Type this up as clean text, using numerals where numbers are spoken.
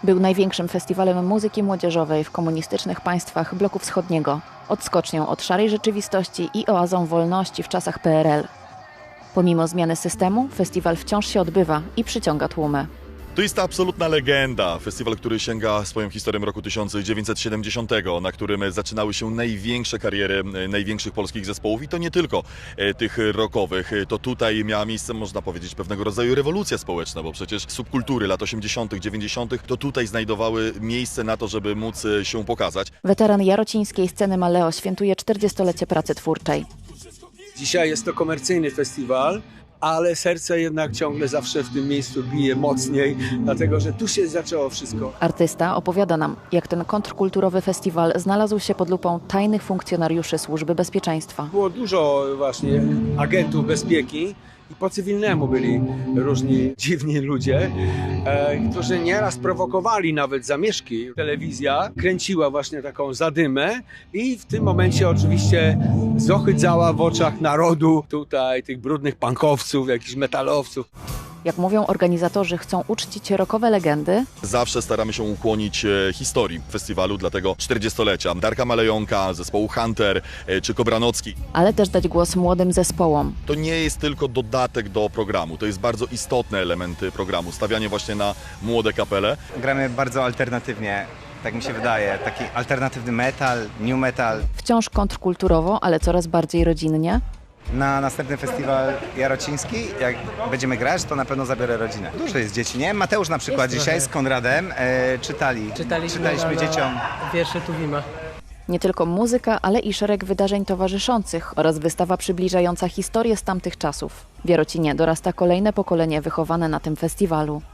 Był największym festiwalem muzyki młodzieżowej w komunistycznych państwach bloku wschodniego, odskocznią od szarej rzeczywistości i oazą wolności w czasach PRL. Pomimo zmiany systemu, festiwal wciąż się odbywa i przyciąga tłumy. To jest ta absolutna legenda. Festiwal, który sięga swoją historią roku 1970, na którym zaczynały się największe kariery największych polskich zespołów i to nie tylko tych rockowych. To tutaj miała miejsce, można powiedzieć, pewnego rodzaju rewolucja społeczna, bo przecież subkultury lat 80., 90. to tutaj znajdowały miejsce na to, żeby móc się pokazać. Weteran jarocińskiej sceny Maleo świętuje 40-lecie pracy twórczej. Dzisiaj jest to komercyjny festiwal, ale serce jednak ciągle zawsze w tym miejscu bije mocniej, dlatego że tu się zaczęło wszystko. Artysta opowiada nam, jak ten kontrkulturowy festiwal znalazł się pod lupą tajnych funkcjonariuszy Służby Bezpieczeństwa. Było dużo właśnie agentów bezpieki i po cywilnemu byli różni dziwni ludzie, którzy nieraz prowokowali nawet zamieszki. Telewizja kręciła właśnie taką zadymę i w tym momencie oczywiście zohydzała w oczach narodu tutaj tych brudnych punkowców, jakichś metalowców. Jak mówią organizatorzy, chcą uczcić rockowe legendy, Zawsze staramy się ukłonić historii festiwalu, dlatego 40-lecia. Darka Malejonka, zespołu Hunter czy Kobranocki. ale też dać głos młodym zespołom. To nie jest tylko dodatek do programu, to jest bardzo istotny element programu, stawianie właśnie na młode kapele. Gramy bardzo alternatywnie, tak mi się wydaje. Taki alternatywny metal, new metal. Wciąż kontrkulturowo, ale coraz bardziej rodzinnie. Na następny festiwal jarociński, jak będziemy grać, to na pewno zabiorę rodzinę. Dużo jest dzieci, nie? Mateusz na przykład dzisiaj z Konradem czytaliśmy dzieciom wiersze Tuwima. Nie tylko muzyka, ale i szereg wydarzeń towarzyszących oraz wystawa przybliżająca historię z tamtych czasów. W Jarocinie dorasta kolejne pokolenie wychowane na tym festiwalu.